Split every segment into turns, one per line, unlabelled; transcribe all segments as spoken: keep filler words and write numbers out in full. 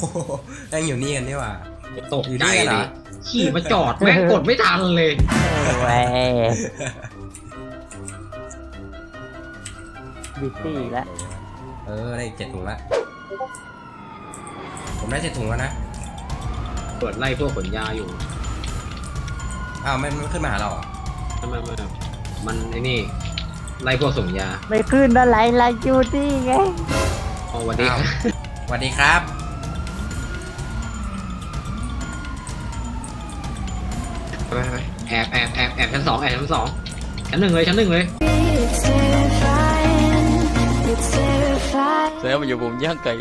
แม่งอยู่นี่กันนี่หว่า
ตกใจดิขี่มาจอดแม่งกดไม่ทันเลย
เว้ยบิตตี้แล้ว
เออได้เจ็ดถุงละผมได้เจ็ดถุงแล้วนะ
เปิดไล่พวกขนยาอยู่
อ้าวมันมันขึ้นมาหาเราเหรอ
ทำไมมันมันไอ้นี่ไล่พวกส่งยา
ไม่ขึ้นอะไรลาจูตี้ไง
อ๋อวันนี้
อ้าวสวัสดีครับ
ไปไปไปแอบแอบแอบแอบชั้นสองแอบชั้นสองชั้นหนึ่งเลยชั้นหนึ่งเลย
เสือมันอยู่vùngย่างไก่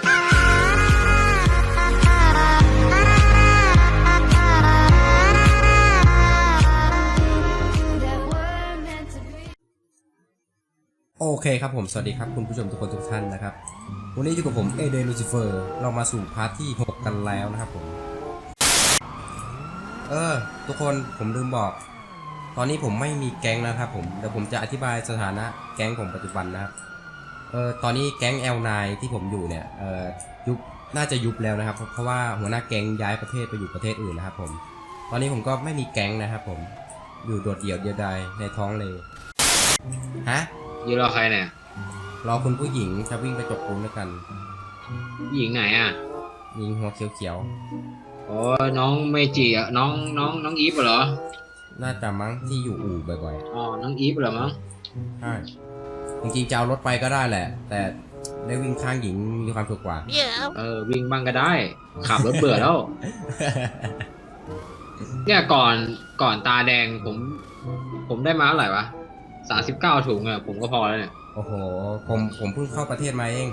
โอเคครับผมสวัสดีครับคุณผู้ชมทุกคนทุกท่านนะครับวันนี้อยู่กับผมเอเดลูซิเฟอร์เรามาสู่พาร์ทที่หกกันแล้วนะครับผมเออทุกคนผมลืมบอกตอนนี้ผมไม่มีแก๊งนะครับผมเดี๋ยวผมจะอธิบายสถานะแก๊งผมปัจจุบันนะครับเออตอนนี้แก๊ง แอล ไนน์ ที่ผมอยู่เนี่ยเออยุบน่าจะยุบแล้วนะครับเพราะว่าหัวหน้าแก๊งย้ายประเทศไปอยู่ประเทศอื่นนะครับผมตอนนี้ผมก็ไม่มีแก๊งนะครับผมอยู่โดดเดี่ยวเดียวดายในท้องเลยฮะ
ยืนรอใครเนี่ย
รอคุณผู้หญิงจะวิ่งไปจกปูนด้วยกัน
หญิงไหนอ่ะ
ยิงหัวเขียว
อ๋อน้องเมจิอ่ะน้องน้องน้องอีฟเหรอ
ๆน่าจะมั้งที่อยู่อู่บ่อย
อ๋อน้องอีฟเหรอมั้ง
ๆใช่จริงๆจะเอารถไปก็ได้แหละ แต่ได้วิ่งข้างหญิงมีความสุขกว่า
เออวิ่งบ้างก็ได้ขับรถเบื่อแล้ว เนี่ยก่อนก่อนตาแดงผม ผมได้มาเท่าไหร่วะสามสิบเก้าถุงอ่ะผมก็พอแล้วเนี่ย
โอ้โหผมผมเพิ่งเข้าประเทศมาเอง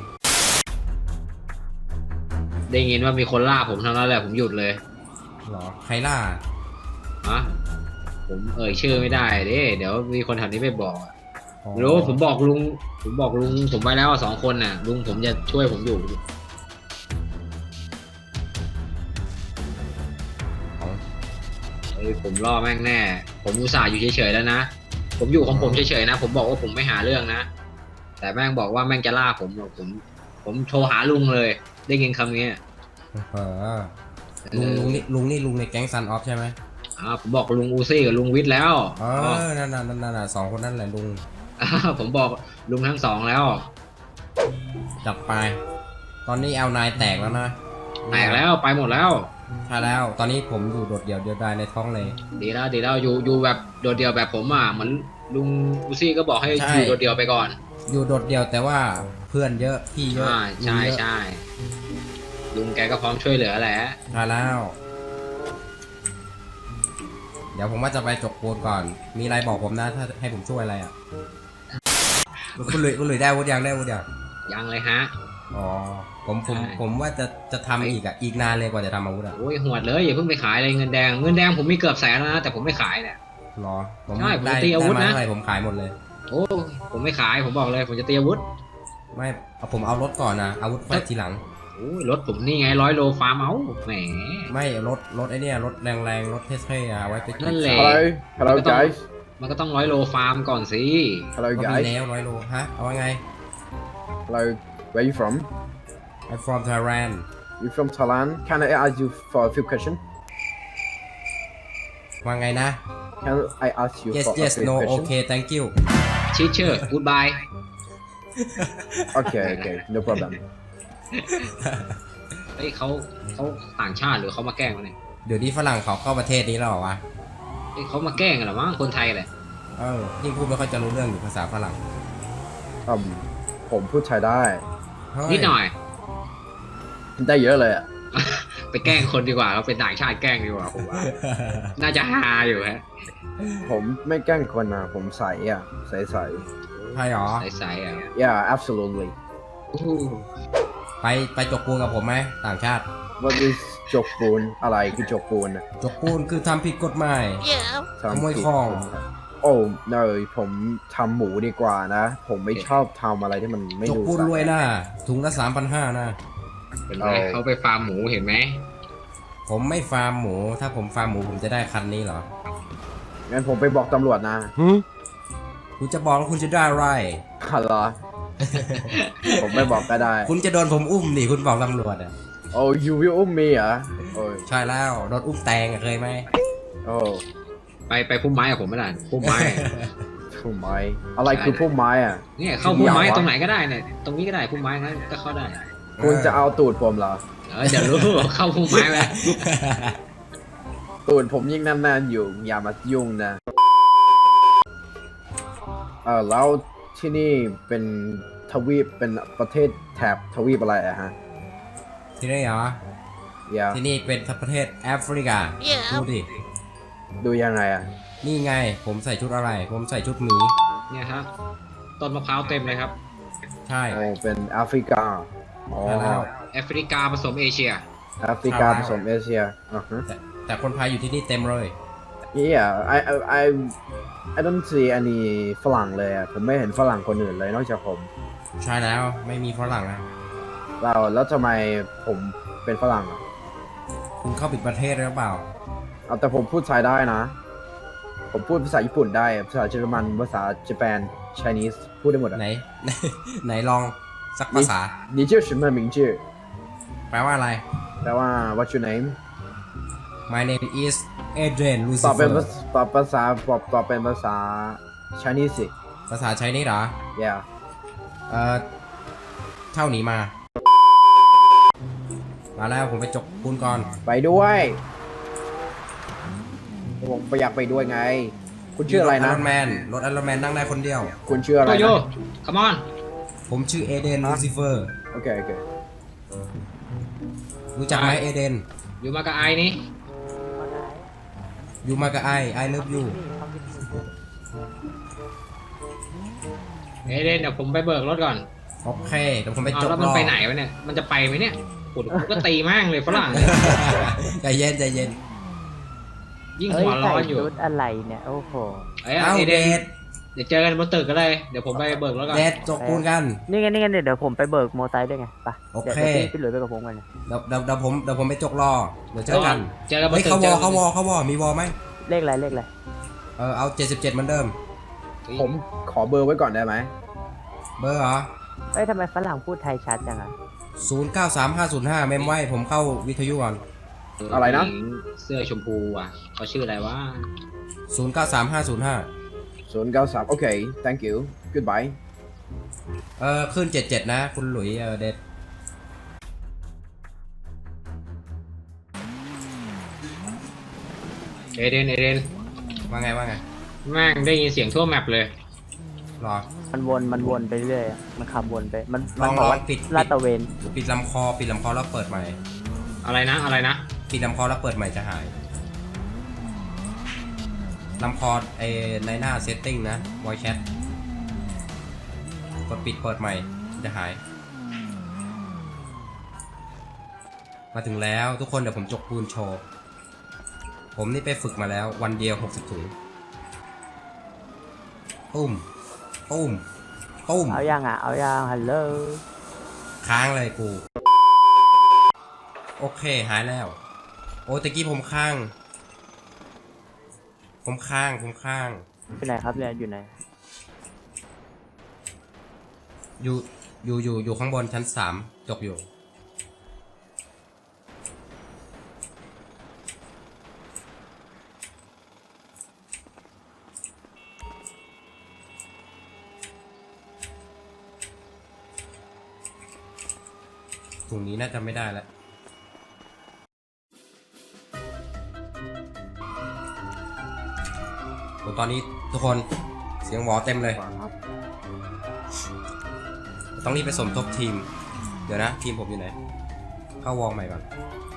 ได้ยินว่ามีคนล่าผมเท่านั้นแหละผมหยุดเลย
เหรอใครล่า
ฮะผมเอ่ยชื่อไม่ได้เด้เดี๋ยวมีคนแถวนี้ไปบอกอะ
อ๋อ
รู้ผมบอกลุงผมบอกลุงผมไว้แล้วสองคนน่ะลุงผมจะช่วยผมอยู่
อ๋อ
เอ้ยผมล่อแม่งแน่ ผมอุตส่าห์อยู่เฉยๆแล้วนะผมอยู่ของผมเฉยๆนะผมบอกว่าผมไม่หาเรื่องนะแต่แม่งบอกว่าแม่งจะล่าผมผม ผมโทรหาลุงเลยได้ยินคำนี้
เออลุงลุงนี่ลุงนี่ลุงในแก๊งซันออฟใช่ไหม
อ่าผมบอกลุงอูซี่กับลุงวิทย์แล้ว
เออนั่นน่ะนั่นน่ะสองคนนั่นแหละลุง
อ่าผมบอกลุงทั้งสองแล้ว
จับไป ตอนนี้ แอล ไนน์ แตกแล้วนะ
แตกแล้วไปหมดแล้ว
ใช่แล้วตอนนี้ผมอยู่โดดเดี่ยวเดียวดายในท้องเลย
ดีแล้วดีแล้วอยู่อยู่แบบโดดเดี่ยวแบบผมอ่ะเหมือนลุงอูซี่ก็บอกให้
ใช่
อยู่โดดเดี่ยวไปก่อน
อยู่โดดเดี่ยวแต่ว่าเพื่อนเยอะพี่เยอะ
อ่าใช่
ลุงเยอะ
ใช่ลุงแกก็พร้อมช่วยเหลือแหละ
ใช่แล้ว เดี๋ยวผมว่าจะไปจกปูนก่อน มีอะไรบอกผมนะถ้าให้ผมช่วยอะไรอ่ะคุณหลุยคุณหลุยได้วุฒิยังได้วุฒิยัง
ยังเลยฮะ
อ๋อผมผม
ใช่
ผมว่าจะจะทำอีกอ่ะอีกนานเลยกว่าจะทำอาวุธอ่ะ
โอ้ยหวดเลยอย่าเพิ่งไปขายเลยเงินแดงเงินแดงผมมีเกือบแสนแล้วนะแต่ผมไม่ขายเนี่ย
รอผม
ใช่ผม
ได้
ตีอาวุธ
ได้มา
นะ
เท่าไหร่ผมขายหมดเลย
โอ้ผมไม่ขายผมบอกเลยผมจะตีอาวุธ
ไม่เอาผมเอารถก่อนนะอาวุธไว้ทีหลัง
โอ้ยรถผมนี่ไงร้อยโลฟาร์มเอาแหม
ไม่รถรถไอเนี่ยรถแรงๆรถเท่ๆอ่ะเอาไว้ไป
นั่นแหละ
Hello, hello
Cái tông-
guys.
มันก็ต้องร้อยโลฟาร์มก่อนสิ
Hello
ก็มี
guys.
แล้วร้อยโลฮะเอาว่าไง
Hello, where you from?
I'm from Thailand
You from Thailand? Can I ask you for a few questions?
ว่าไงนะ
Can I ask you
yes
for
yes
a few
no
questions?
okay thank you
ชิเชอร์กูดบาย
Okay, okay, no problem.
เฮ้ยเขาเขาต่างชาติหรือเขามาแกล้งวะเนี่ย
เดี๋ยวนี้ฝรั่งเขาเข้าประเทศนี้แล้วเหรอวะ
เฮ้ยเขามาแกล้งกันเหรอมั้งคนไทยแหละ
เออยิ่งพูดไม่ค่อยจะรู้เรื่องอยู่ภาษาฝรั่ง
Um, ผมพูดไทยได้
เฮ้ย
นิดหน่อย
ได้เยอะเลยอ่ะ
ไปแกล้งคนดีกว่าเราเป็นต่างชาติแกล้งดีกว่าผมว่า น่าจะฮาอยู่ฮะ
ผมไม่แกล้งคนนะผมใสอ่ะใสใส
ใช่หรอ
ใสๆอ่ะ
Yeah, absolutely.
อู้หู
ไปไปจกปูนกับผมไหมต่างชาติ
What is จกปูนอะไรคือจกปูนอะ
จกปูนคือทำผิดกฎหมาย
ทำ
ขโมย
ผิด
ของ
โอ้ no ผมทำหมูดีกว่านะ ผมไม่ชอบทำอะไรที่มันไม่
จก
ดู
ปูน
สะ
รวยนะถุงละสามพันห้านะ
เห็นไหมเขาไปฟาร์มหมูเห็นไหม
ผมไม่ฟาร์มหมู ถ้าผมฟาร์มหมูผมจะได้คันนี้เหรอ
งั้นผมไปบอกตำรวจนะ
คุณจะบอกแล้วคุณจะได้อะไร
ฮัลโหล ผมไม่บอกก็ได้
คุณจะโดนผมอุ้มดิคุณบอกตำรวจอ่ะ
โอ้ยูวิอุ้มมีเหรอโอ้ย
ใช่แล้วโดนอุ้มแตงอะเคยไหม
โอ้
ไปไปพุ่มไม้กับผมไม่ได้พุ่มไม้
พุ่มไม้อะไรคือพุ่มไม้อ่ะ
เนี่ยเข้าพุ่มไม้ตรงไหนก็ได้เนี่ยตรงนี้ก็ได้พุ่มไม้งั้นก็เข้าได้
คุณจะเอาตูดผมเหรอ
เออเดี๋ยวรู้ เข้าพุ่มไม้ไป
ตูดผมยิ่งแน่นๆอยู่อย่ามายุ่งนะเออแล้วที่นี่เป็นทวีปเป็นประเทศแถบทวีปอะไรอะฮะ
ที่นี่เหรอ
อย่า
ที่นี่เป็นประเทศแอฟริกา ดูดิ
ดูยังไงอะ
นี่ไงผมใส่ชุดอะไร ผมใส่ชุดหมี
เนี่ยครับต้นมะพร้าวเต็มเลยครับ
ใช่
โอ้เป็นแอฟริกาอ๋อ
ใช่แล้ว
แอฟริกาผสมเอเชีย
แอฟริกาผสมเอเชียอ่าฮะ
แต่แต่คนไทยอยู่ที่นี่เต็มเลย
Yeah I I I I don't see any ฝรั่งเลยอะผมไม่เห็นฝรั่งคนอื่นเลยนอกจากผม
ใช่แล้วไม่มีฝรั่งนะ
เราแล้วทำไมผมเป็นฝรั่งอะ
คุณเข้าปิดประเทศหรือเปล่า
เอาแต่ผมพูดไทยได้นะ ผมพูดภาษาญี่ปุ่นได้ภาษาเยอรมันภาษาญี่ปุ่น Chinese พูดได้หมดอะ
ไหน ไหนลองสักภาษา
你叫什么名字
แปลว่าอะไร
แปลว่า What's your name
My name is Adrian
ตอบเป็น
Lucifer
ตอบภาษาตอบตอบเป็นภาษา Chinese สิ
ภาษาไชนีสเหรอ
Yeah
เอ่อเท่านี้มา มาแล้วผมไปจกปูนก่อน
ไปด้วยผมไปอยากไปด้วยไง คุณชื่ออะไรนะ
รถแมนรถไอรอนแมนนั่งได้คนเดียว
คุณชื่ออะไร
โตโย
นะ
คัมอน
ผมชื่อเอเดนลูซิเฟอร์
โอเคโอเค
รู้จักไหมเอเดน
อยู่มากับไอ้นี่
อยู่มากับไอไอเลิฟยู
เอเดนเดี๋ยวผมไปเบิกรถก่อน
โอเคเดี๋ยวผมไป
เอา
จก
แล้ว
ร
มัน
อ
ไปไหนวะเนี่ยมันจะไปไหมเนี่ยปุดก็ตีแม่งเลยฝรั่ง
ใจเย็นใจเย็น
ยิ่ง
เอ้ย
หัวร้
ใส่
อนอยู่
ชุดอะไรเนี่ย โอ้โห
เอ้ย
เอ้า
เอ
เด
เดน
ด
เดี๋ยวเจอกันบนตึกก็เลยเดี๋ยวผมไปเบิกรถก่อน
เดดจกปูนกัน
นี่ไงนี่ไงเดี๋ยวผมไปเบิกโมอไซค์ด้วยไงไป
โอเค
เดี๋ยวพี่พี่หลุยไปกับผมกันนะ
เดี๋ยวเดี๋ยวเดี๋ยวผมเดี๋ยวผมไปจกรอเดี๋ยวเจอกัน
เจอกันบน
เฮ้ย
ตึก
เขาว
จ
อ
อกัน
เขาวอเขาวอมีวอไหม
เลขอะไรเลขอะไร
เออเอาเจ็ดสิบเจ็ดเหมือนเดิม
ผมขอเบอร์ไว้ก่อนได้ไหม
เบอร์เหรอ
เอ้ยทำไมฝรั่งพูดไทยชัดจังอ่ะ
ศูนย์เก้าสามห้าศูนย์ห้าเมมไว้ผมเข้าวิทยุก่อน
อะไรนะ
เสื้อชมพูอ่ะเขาชื่ออะไรวะ
ศูนย์เก้าสามห้าศูนย์ห้า
ศูนย์เก้าสามโอเค thank you goodbye
เออขึ้นเจ็ดเจ็ดนะ คุณหลุยเออเดด
เอเดนเอเดน
ว่าไงว่าไง
แม่งได้ยินเสียงทั่วแมปเลย
รอ
มันวนมันวนไปเรื่อยอะมันขับวนไปมัน
ล
มั
อน ง
บ
ล
อก
อง
ว่า
ปิด
ลาดตระเวน
ปิดลำคอปิดลำคอแล้วเปิดใหม่
อะไรนะอะไรนะ
ปิดลำคอแล้วเปิดใหม่จะหายลำคอไอในหน้าเซตติ้งนะ voice chat กดปิดเปิดใหม่จะหาย มาถึงแล้วทุกคนเดี๋ยวผมจกปูนโชว์ผมนี่ไปฝึกมาแล้ววันเดียวหกสิบถุงตุ้มตุ้มตุ้ม
เอายังอ่ะเอายังฮัลโหล
ค้างเลยกู โอเคหายแล้ว โอ้ตะกี้ผมค้าง ผมค้างผมค้าง
อยู่ไหนครับเนี่ยอยู่ไหน
อยู่อยู่อยู่อยู่ข้างบนชั้นสามจบอยู่ถุงนี้น่าจะไม่ได้แล้วโอ้ตอนนี้ทุกคนเสียงหวอเต็มเลย ต้องรีบไปสมทบทีม เดี๋ยวนะ ทีมผมอยู่ไหน เข้าวองใหม่ก่อน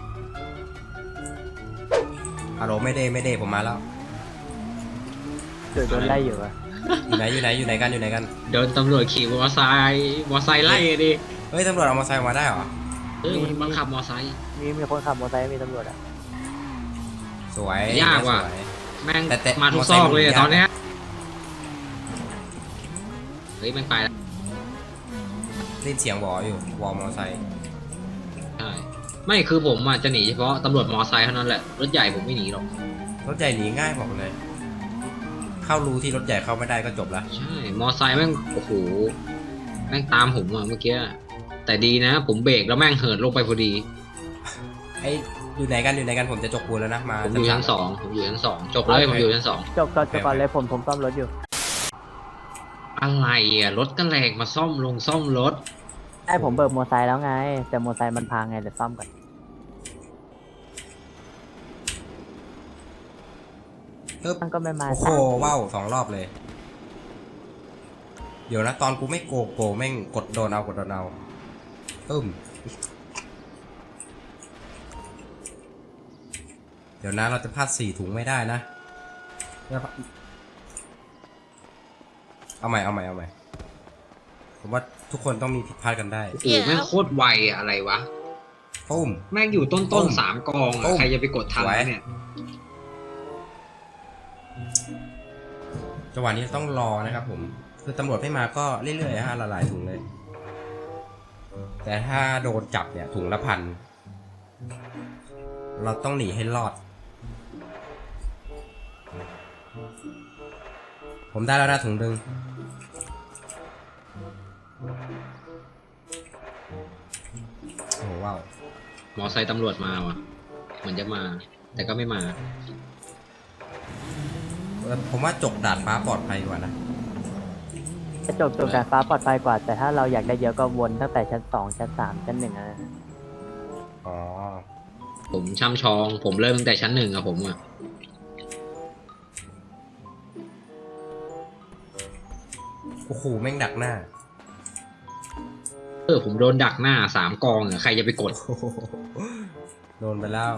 ฮัลโหลไม่ได้ไม่ได้ผมมาแล้ว
เกิดโดนไล่อยู่อะ
อยู่ไหนอยู่ไหนอยู่ไหนกันอยู่ไหนกัน
โดนตำรวจขี่มอไซค์มอไซค์ไล่ดิ
เฮ้ยตำรวจเอามอเตอร์ไซค์มาได้เหรอ
เออมันบังคับมอไซค์
มีมีคนขับมอเตอร์ไซค์มีตำรวจอ่ะ
สวย
ยากว่ะ
สวย
แม่ง
แต่แต่
มาทุก
มอ
ซ
ไซค์
อกเลย
มัน
อะ
ยาก
ตอนเนี้ยเฮ้ยแม่งไปแล้ว
ได้ยินเสียงวออยู่วอมอเตอร์ไซค์
ใช่ไม่คือผมอ่ะจะหนีเฉพาะตำรวจมอไซค์เท่านั้นแหละรถใหญ่ผมไม่หนีหรอก
รถใหญ่หนีง่ายบอกเลย เข้ารูที่รถใหญ่เข้าไม่ได้ก็จบละ
ใช่มอไซค์แม่งโอ้โหแม่งตามผมอ่ะเมื่อกี้แต่ดีนะ ผมเบรกแล้วแม่งเหินลงไปพอดี
ไออยู่ไหนกันอยู่ไหนกันผมจะจกปูนแล้วนะมา
ผมอยู่ชั้นสองผมอยู่ชั้นสองจบเลยผมอยู่ชั้นสอง
จบก่อนจบก่อนเลยผมผมซ่อมรถอยู่
อะไรอ่ะรถก็แรงมาซ่อมลงซ่อมรถ
ไอ้ผมเบิกมอไซค์แล้วไง แต่มอไซค์มันพังไงเดี๋ยวซ่อมก่อน
ปึ๊บ
มันก็ไม่มา
โอ้โหว้าวสองรอบเลย เดี๋ยวนะตอนกูไม่โกโกแม่งกดโดนเอากดโดนเอาตึ้มเดี๋ยวนะเราจะพลาดสี่ถุงไม่ได้นะเอาใหม่เอาใหม่เอาใหม่ผมว่าทุกคนต้องมีผิดพลาดกันได้
โอ้โหแม่งโคตรไวอะอะไรวะ
ปุ้ม
แม่งอยู่ต้น
ตุ้
ต้น
ม
สามกอง
ตุ้
อะ
ม
ใครจะไปกดทัน
สวย
วะเนี่ย
จังหวะนี้ต้องรอนะครับผมคือตำรวจไม่มาก็เรื่อยๆฮะละลายถุงเลย แต่ถ้าโดนจับเนี่ยถุงละพันเราต้องหนีให้รอด ผมได้แล้วนะถุงหนึ่งโอ้โหว้าว
มอไซค์ตำรวจมาว่ะเหมือนจะมา แต่ก็ไม่มา
เออผมว่าจกดาดฟ้าปลอดภัยกว่านะ
จะจบจบการฟ้าปลอดภัยกว่า แต่ถ้าเราอยากได้เยอะก็วนตั้งแต่ชั้นสองชั้นสามชั้นหนึ่งนะ
อ๋อ
ผมช่ำชอง ผมเริ่มตั้งแต่ชั้นหนึ่งอะผมอะ
โอ้โหแม่งดักหน้า
เออผมโดนดักหน้าสามกองอะใครจะไปกด
โอ้โหโดนไปแล้ว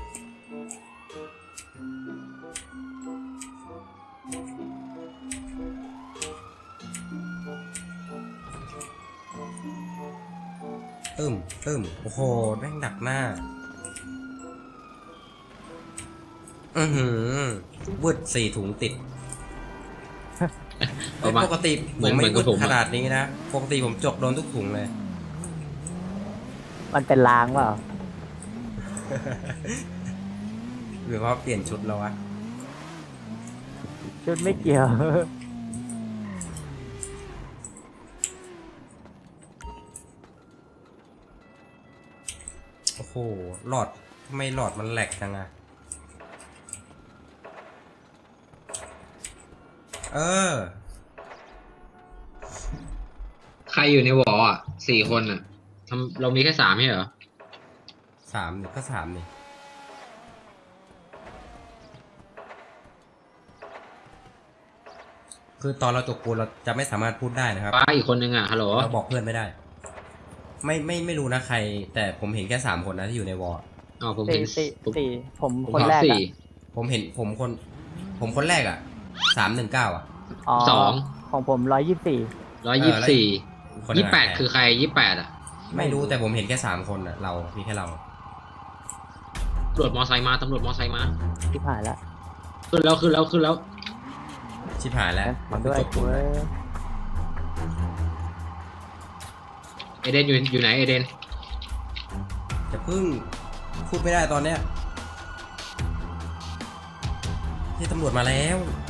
ตึมตึมโอ้โหแม่งดักหน้า อือหือวืดสี่ถุงติด
เอามา
ปกติ
เห
ผ
มือน
มไม่
เหมือนกั
วื
บ
ด
ผมอะ
ขนาดนี้นะ ปกติผมจกโดนทุกถุงเลย
มันเป็นลางเปล่า
หรือว่าเปลี่ยนชุดแล้ววะ
ชุดไม่เกี่ยว
โอ้โห หลอดทำไมหลอดมันแหลกจังอะเออ
ใครอยู่ในวออะสี่คนอะทำเรามีแค่สามไม่ใช่เหรอ
สามนี่ก็สามนี่คือตอนเราจกปูนเราจะไม่สามารถพูดได้นะครับ
ป้าอีกคนนึงอะฮัลโหล
เราบอกเพื่อนไม่ได้ ไม่ไม่ไม่รู้นะใคร แต่ผมเห็นแค่สามคนนะที่อยู่ในวอร์
อ๋อผม
สี่
เห็น
สี่
ผม
สี่ผม
ผม
คน
เห็น
แรก
สี่
อะ
ผมเห็นผมคน ผมคนแรกอ่ะสามหนึ่งเก้าอ่ะ
อ๋อ
สอง
ของผมร้อยยี่สิบสี่
ร้อยยี่สิบสี่
คนหนึ่
ยี่
ง
สิบแปด
ะ
คือใครยี่สิบแปดอะ
ไม่รู้แต่ผมเห็นแค่สามคนอ่ะ เรา มีแค่เรา
ตำรวจมอไซค์มาตำรวจมอไซค์มา
ที่ผ่านแล้ว
ขึ้นแล้วขึ้นแล้วขึ้นแล้ว
ชิบหายแล้ว
ขอด้วย
จกปูน
เว้ย
เอเดนอยู่อยู่ไหนเอเดน
จะพึ่งพูดไม่ได้ตอนเนี้ยที่ตำรวจมาแล้ว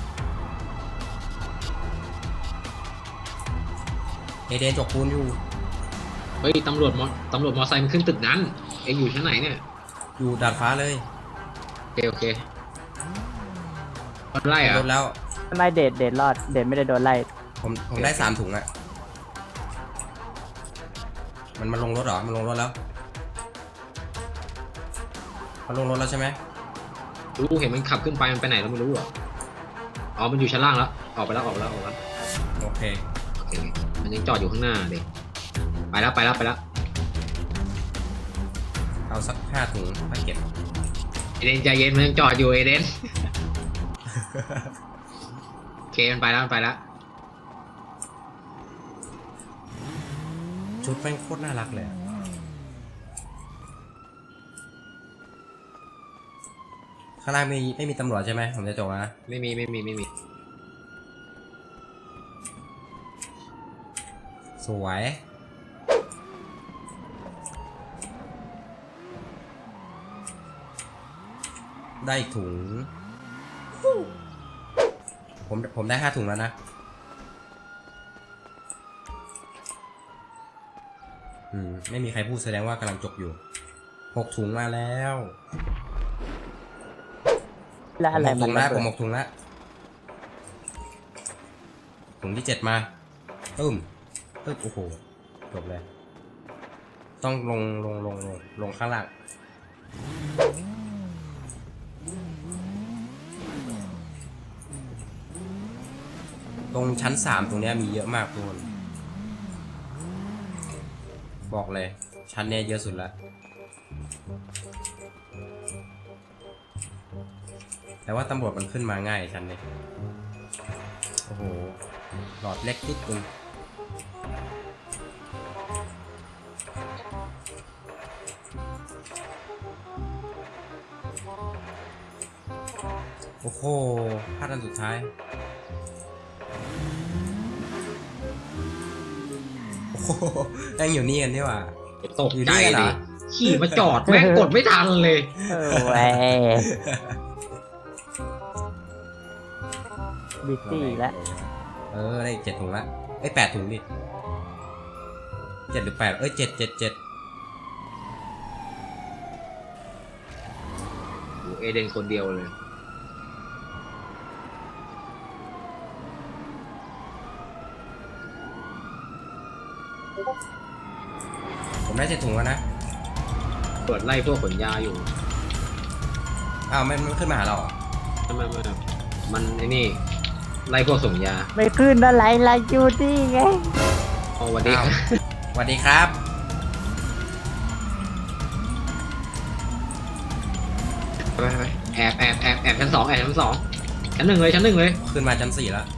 เอเดนจกปูนอยู่
เฮ้ยตำรวจมอตำรวจมอไซค์มันขึ้นตึกนั้น เองอยู่ชั้นไหนเนี่ย
อยู่ดาดฟ้าเลย
โอเคโอเคมันไล่เหร
ร
อะ
ถแล้ว
ไม่เดทเดทรอด เดทไม่ได้โดนไล่
ผมผมได้สามถุงอะมันมาลงรถเหรอ มันลงรถแล้ว มันลงรถแล้วใช่ไหม
รู้เห็นมันขับขึ้นไปมันไปไหนเราไม่รู้เหรออ๋อมันอยู่ชั้นล่างแล้วออกไปแล้วออกไปแล้วออกไปแล้ว
โอเค
โอเคมันยังจอดอยู่ข้างหน้าเด็กไปแล้วไปแล้วไปแล้ว
เอาสักห้าถุงไปเก็บ
เอเดนใจเย็นมันยังจอดอยู่เอเดน โอเคมันไปแล้วมันไปแล้ว
ชุดแม่งโคตรน่ารักเลยอะข้างล่างมีไม่มีตำรวจใช่ไหมผมจะจบนะ
ไม่มีไม่มีไม่มี
สวย ได้อีกถุง ผมผมได้ห้าถุงแล้วนะ อืม ไม่มีใครพูดแสดงว่ากำลังจบอยู่หกถุงมาแล้ว
แล้วอะไร
ผมหก
มั
ถุ
น
งแล้ว
ระ
ผ
เบิ
ม
ด
หกถุงแล้วถุงที่เจ็ดมาตึ้มตึ้มโอ้โหจบเลย ต้องลงลงลงลงลงข้างล่างตรงชั้นสามตรงเนี้ยมีเยอะมากทุกคนบอกเลยชั้นเนี้ยเยอะสุดละแต่ว่าตำรวจมันขึ้นมาง่ายชั้นนี้โอ้โหหลอดเล็กนิดนึงโอ้โหพลาดอันสุดท้ายโอ้โหยังอยู่นี่กันนี่หว่า
ตก
อยู่
ใจ
นี่กันเหร
ดิ
อ
ขี่มาจอดแม่งกดไม่ทันเลย
เออแหวบิซี่แล้ว
เออได้เจ็ดถุงละเอ้ยแปดถุงดิเจ็ดหรือแปดเอ้ยเจ็ดเจ็ดเจ็ด
โอ้เอเดนคนเดียวเลย
ผมได้เจ็ดถุงแล้วนะ
ตรวจไล่พวกขนยาอยู่
อ้าวไม่ไม่ขึ้นมาหาเราเหรอ
ไม่ไม่ไม่มันไอ้นี่ไล่พวกส่งยา
ไม่ขึ้นอะไรล่ะอยู่นี่ไง
เอาวันนี้
อ้าวสวัสดีครับ
ไปไปไปแอบแอบแอบแอบชั้นสองแอบชั้นสองชั้นหนึ่งเลยชั้นหนึ่งเลย
ขึ้นมาชั้นสี่แล้ว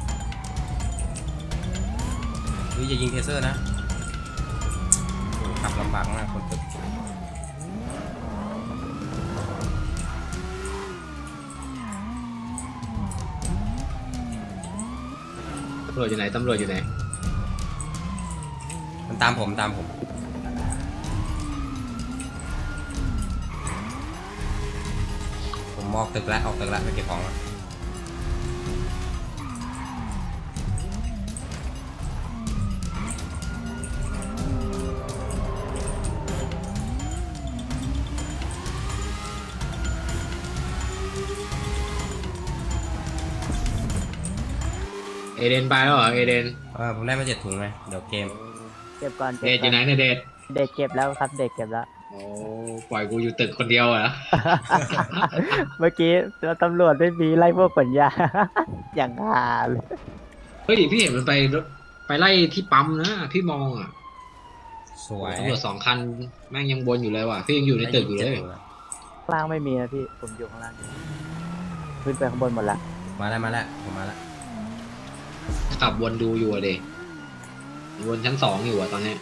หรืออย่ายิงเทเซอร์นะโอ้ขับลำบากมากคนตึก
ตำรวจอยู่ไหนตำรวจอยู่ไหน
มันตามผมตามผม ผมออกตึกแล้วออกตึกแล้วไปเก็บของแล้ว
เอเดนไปแล้วเหรอเอเดน
เออผมได้มาเจ็ดถุงไงเดี๋ยวเกม
เก็บก่อน
เด
เก็
ด
บ
อ
ก่อยู่ น
ไหนเนี่ยเดด
เด็กเก็บแล้วครับเด็กเก็บแล้ว
โอ้ปล่อยกูอยู่ตึกคนเดียวเหรอ
เมื่อกี้ตำรวจไม่มีไล่พวกขนยา อย่างหาเลย
เฮ้ยพี่เห็นมันไปรถไปไล่ที่ปั๊มนะพี่มองอ่ะ
สวย
ตำรวจสองคันแม่งยังวนอยู่เลยว่ะพี่ยังอยู่ในตึกอยู่เลย
ข้างล่างไม่มีนะพี่ผมอยู่ข้างล่างขึ้นไปข้างบนหมดละ
มาแล้วมาแล้วผมมาแล้ว
ขับวนดูอยู่อะเดวนชั้นสองอยู่อะตอนเนี้ย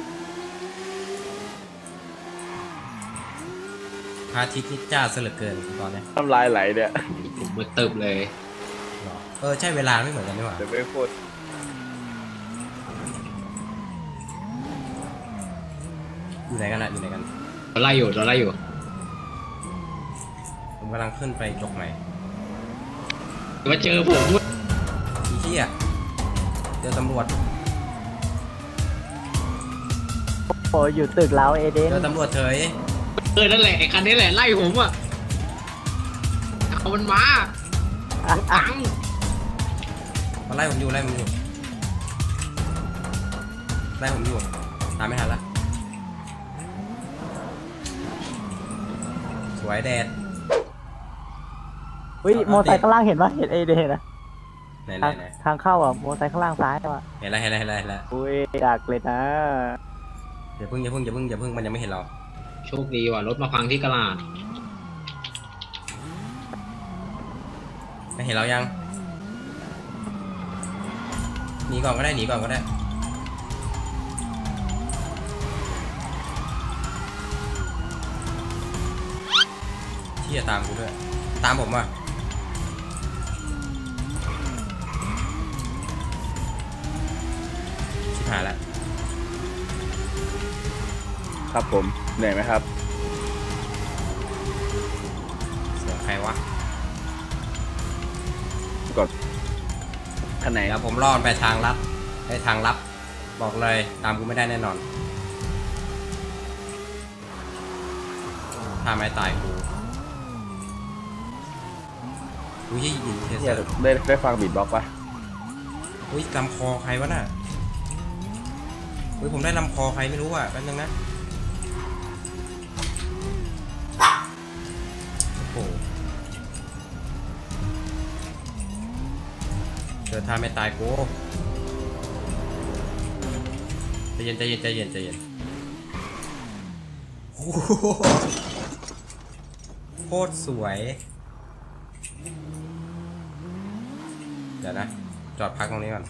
พระอาทิตย์นี่จ้าซะเหลือเกินตอนเนี้ย
น้ำลายไหลเนี่ย
ผมมือตึบเลย
หรอเออใช่เวลาไม่เหมือนกันนี่หว่า
เดี๋ยวไม่โคตร
อยู่ไหนกันอะอยู่ไหนกัน
เราไล่อยู่เราไล่อยู่
ผมกำลังขึ้นไปจกใหม่
มาเจอผมด้วย
อีเหี้ยเจอตำรวจ
โอ้อยู่ตึกเราเอเดน
เจอตำรวจเฉย
เออนั่นแหละไอ้คันนี้แหละไล่ผมอะเอามันมาตัง
มาไล่ผมอยู่ไล่ผมอยู่ไล่ผมอยู่ตามไม่ทันละสวยแดด
อุ้ยโมอไซค์ข้างล่างเห็นปะเห็นเอเดนนะ
ไหนไหน
ทาง
ไหน
ทางเข้าอ่ะโมอไซค์ข้างล่างซ้ายอ่ะ
เห็นแล้วเห็นแล้วเห็นแล้วเห็นแล้ว
อุ้ยดักเลยนะ
อย่าเพิ่งอย่าเพิ่งอย่าเพิ่งอย่าเพิ่งมันยังไม่เห็นเรา
โชคดีว่ะรถมาพังที่กลาด
ไม่เห็นเรายังหนีก่อนก็ได้หนีก่อนก็ได้ที่จะตามกูด้วยตามผมว่ะชิบหายแล้ว
ครับผมเหนื่อยไหมครับ
เสียงใครวะ
คันไหน
เดี๋ยวผมรอดไปทางลับไปทางลับ บอกเลยตามกูไม่ได้แน่นอนท่าไม้ตายกูอุ้ยยิงเทเซ
เนี่
อย ร์
ได้ได้ฟังบีทบ็อกซ์ปะ
อุ้ยลำคอใครวะน่ะอุ้ยผมได้ลำคอใครไม่รู้อ่ะแป๊บนึงนะโอ้โหเจอท่าไม่ตายกูใจเย็นใจเย็นใจเย็นใจเย็นโอ้โหโคตรสวยเดี๋ยวนะจอดพักตรงนี้ก่อน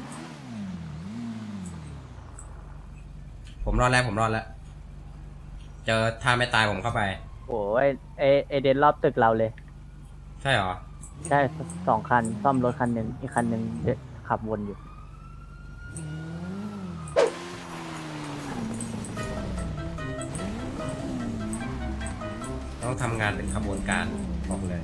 ผมรอดแล้วผมรอดแล้วเจอท่าไม่ตายผมเข้าไป
โอ้ยเอเอเดนรอบตึกเราเลย
ใช่เหรอ
ได้สองคันซ่อมรถคันหนึ่งอีกคันหนึ่งเดินขับวนอยู่
ต้องทำงานเป็นขบวนการบอกเลย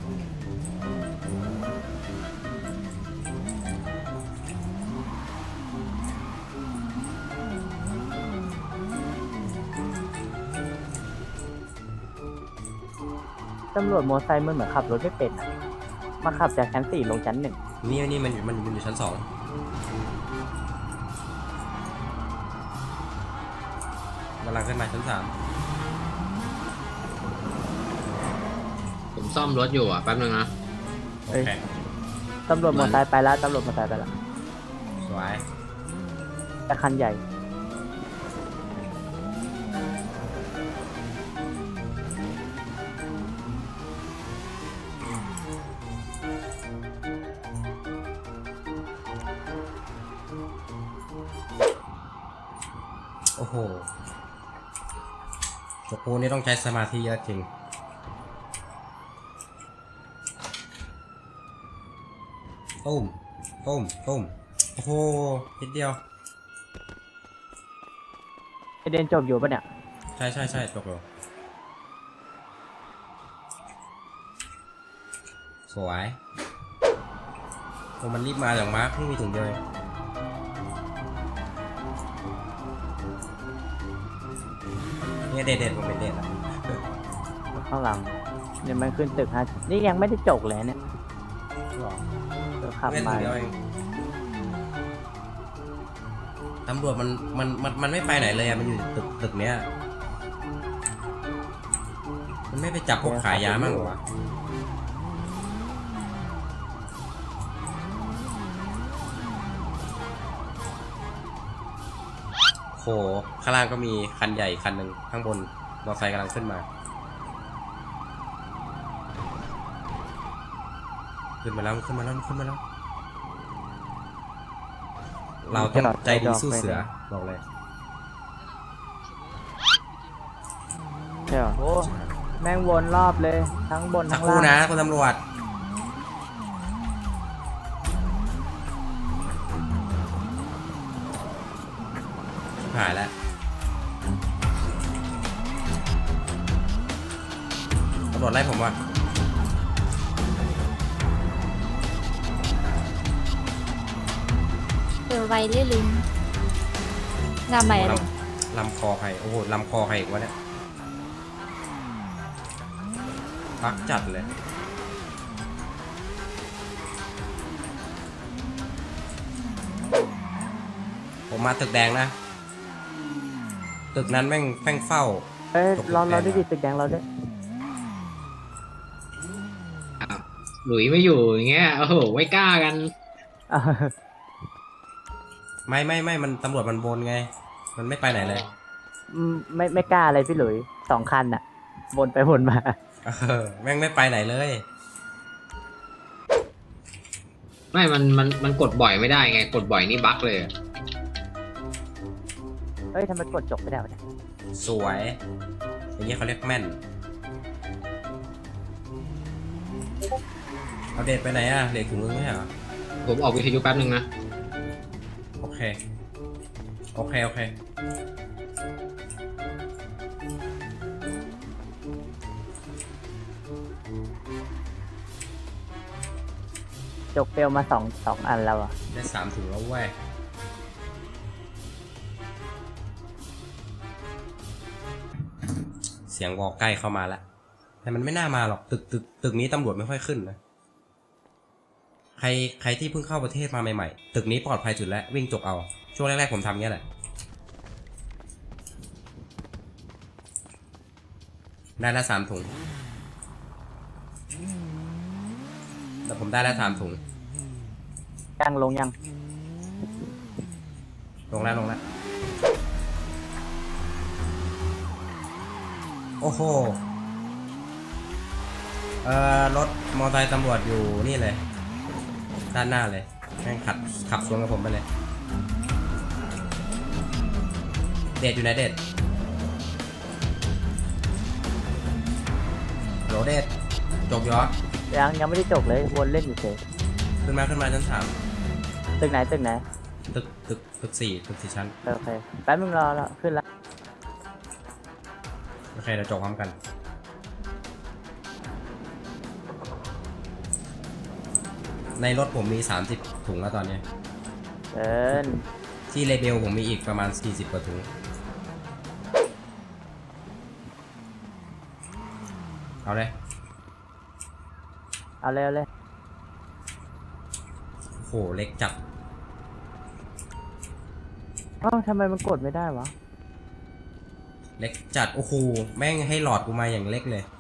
ตำรวจมอเตอร์ไซค์มันเหมือนขับรถไม่เป็นอะมาขับจากชั้นสี่ลงชั้นหนึ่ง
นี่นี่มันอยู่มันมันอยู่ชั้นสองกำลังขึ้นมาชั้นสาม
ผมซ่อมรถอยู่อ่ะแป๊บนึงนะ
โอเค
ตำรวจมอเตอร์ไซค์ไปแล้วตำรวจมอเตอร์ไซค์ไปแล้ว
สวย
แต่คันใหญ่
โอ้โหจกปูนี่ต้องใช้สมาธิเยอะจริงตุ้มตุ้มตุ้มโอ้โหนิดเดียว
เอเดนจบอยู่ปะเนี่ย
ใช่ใช่ใช่จบแล้วสวยโอ้มันรีบมาอย่างมาร์คเพิ่งมีถุงเดียวเองเนี่ยเด็ดเด็ดผมเป็นเด็ดอ่ะ
ข้างหลังเนี่ยมันขึ้นตึกฮะนี่ยังไม่ได้จกเลยเนี่ย
หรอ
เดี๋ยวขับ
เล่นถุ
มาง
เดียวเองตำรวจมันมันมันมันไม่ไปไหนเลยอะมันอยู่ตึกตึกเนี้ยมันไม่ไปจับพวกขายยามั่งเหรอวะโหข้างล่างก็มีคันใหญ่คันหนึ่งข้างบนมอเตอร์ไซค์กำลังขึ้นมาขึ้นมาแล้วขึ้นมาแล้วขึ้นมาแล้วเราต้องใจดีสู้เสือบอกเลย
ใช่เหรอโอ้แม่งวนรอบเลยทั้งบน
สัก
ทั้ง
ครู่
ล่าง
นะคุณตำรวจหายแล้วตำรวจไล่ผมว่ะ
เออไวเรื่อยลิงงามใหม่เลย
ลำลำคอใครโอ้โหลำคอใครอีกวะเนี่ยปักจัดเลยผมมาตึกแดงนะตึกนั้นแม่งแม่งเฝ้า
เอ้ย
ตกตึก
เราเรา
แดง
ได้ดิตึกแดงเราด้วย
อ้าวหลุยไม่อยู่อย่างเงี้ยโอ้โหไม่กล้ากัน
อ่ะ
ไม่ไม่ไม่มันตำรวจมันวนไง มันไม่ไปไหนเลย
อืมไม่ไม่กล้าอะไรพี่หลุยสองคันอะวนไปวนมา
เออแม่งไม่ไปไหนเลย
ไม่มันมันมันกดบ่อยไม่ได้ไงกดบ่อยนี่บั๊กเลย
เฮ้ยทำไมกดจบไม่ได้วะเนี่ย
สวยอย่างเงี้ยเขาเรียกแม่นเอาเดทไปไหนอะเดทถึงมึงไม่ใช่เหรอ
ผมออกวิทยุแป๊บนึงนะ
โอเค โอเค โอเค
จกเฟลมาสองสองอันแล้วอ่ะ
ได้สามถุงแล้วเว้ย เสียงวอลใกล้เข้ามาแล้วแต่มันไม่น่ามาหรอกตึกตึกตึกนี้ตำรวจไม่ค่อยขึ้นนะใครใครที่เพิ่งเข้าประเทศมาใหม่ๆตึกนี้ปลอดภัยสุดแล้ววิ่งจกเอาช่วงแรกๆผมทำเงี้ยแหละได้ละสามถุงแต่ผมได้ละสามถุง
ยังลงยัง
ลงแล้วลงแล้วโอ้โหเอ่อรถมอเตอร์ไซค์ตำรวจอยู่นี่เลยด้านหน้าเลยแม่งขับขับสวนกับผมไปเลยเดดอยู่ไหนเดดโหลเดดจบยอ
ยังยังไม่ได้จบเลยวนเล่นอยู่เฉย
ขึ้นมาขึ้นมาชั้นสาม
ตึกไหนตึกไหน
ตึกตึกตึกสี่ตึกสี่ชั้น
โอเคแป๊บนึงรอแล้วขึ้นแล้ว
โอเคเราจบพร้อมกันในรถผมมีสามสิบถุงแล้วตอนนี้
เดิน
ที่เลเบลผมมีอีกประมาณสี่สิบกว่าถุงเอาเลย
เอาเลยเอาเลย
โอ้โหเล็กจัด
เอ้าทำไมมันกดไม่ได้วะ
เล็กจัดโอ้โหแม่งให้หลอดกูมาอย่างเล็กเลย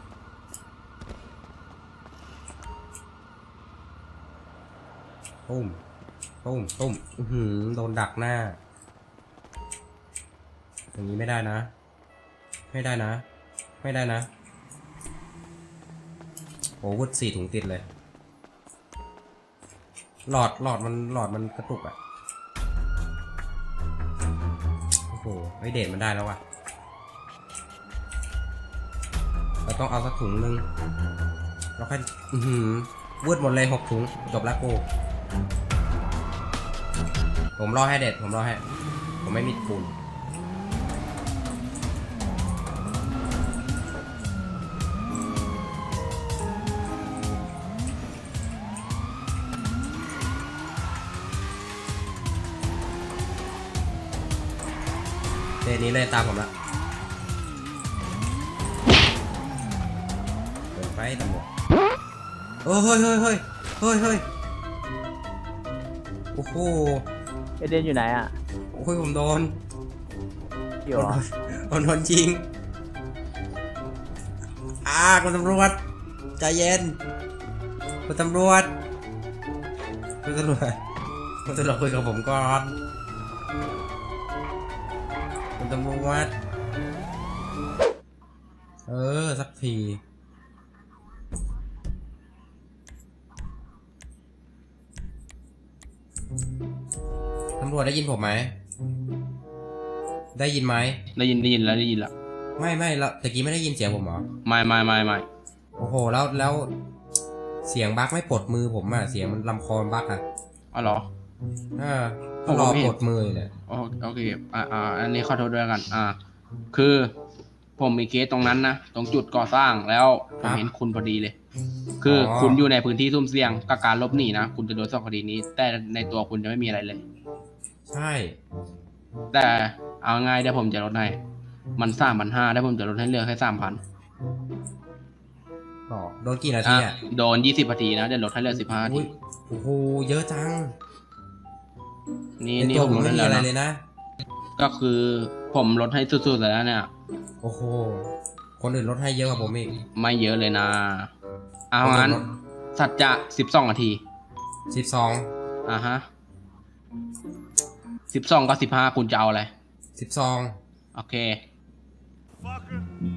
ตุ้มตุ้มตุ้มอื้อหือโดนดักหน้าอย่างนี้ไม่ได้นะ ไม่ได้นะ ไม่ได้นะโอ้วุดสี่ถุงติดเลยหลอดหลอดมันหลอดมันกระตุกอะโอ้โหไอเดทมันได้แล้วว่ะเราต้องเอาสักถุงนึงเราค่อยอือหือวืดหมดเลยหกถุงจบแล้วกูผมรอให้เด็ดผมรอให้ผมไม่มีปูนเดทนี้เลยตามผมละเปิดไฟตำรวจเฮ้ยเฮ้ยเฮ้ยเฮ้ยเฮ้ยเฮ้ยโอ้โห
เอเดนอยู่ไหนอ่ะ
โอ้ยผมโดน
อยู่เหรอ
โดนโดนจริงอ่าคุณตำรวจใจเย็นคุณตำรวจคุณตำรวจคุณตำรวจคุยกับผมก่อนคุณตำรวจเออสักทีตำรวจได้ยินผมไหมได้ยินไหม
ได้ยินได้ยินแล้วได้ยินแล้ว
ไม่ไม่แล้วตะกี้ไม่ได้ยินเสียงผมเหรอ
ไม่ไม่ไม่ไม่
โอ้โหแล้วแล้วเสียงบั๊กไม่ปลดมือผมอ่ะเสียงมันลำคอบั๊กอ่ะ
อ๋อเหรอ
เออก็รอปลดมืออยู่เนี่ย
โอโอเคอ่าอ่าอันนี้ขอโทษด้วยกัน อ่า คือผมมีเคสตรงนั้นนะตรงจุดก่อสร้างแล้วผมเห็นคุณพอดีเลย คืออคุณอยู่ในพื้นที่ซุ่มเสี่ยงกับการลบหนีนะคุณจะโดนสองคดีนี้ แต่ในตัวคุณจะไม่มีอะไรเลย
ใช่
แต่เอาง่ายเดี๋ยวผมจะลดให้มันสามพันห้าได้ผมจะลดให้เหลือแค่สามพัน
ก็โดนกี่นาที
อ่ะ
อ่ะ
โดนยี่สิบนาทีนะเดี๋ยวลดให้เหลือสิบห้านา
อุ้
ที
ยโอ้โหเยอะจัง
นี่
ใน
นี่
ตัว
ผ
ผม
มล
ไม่
ด
มี
ให้
อะไร
แล้ว
เลย
นะ
นะ
ก็คือผมลดให้สุดๆแล้วเนี่ย
โอ้โหคนอื่นลดให้เยอะกว่าผมอีก
ไม่เยอะเลยนะ เอา
ผม
งั้น
ลด
สัจจะสิบสองนาที
สิบสอง
อ่าฮะสิบสองกับสิบห้าคุณจะเอาอะไร
สิบสอง
โอเค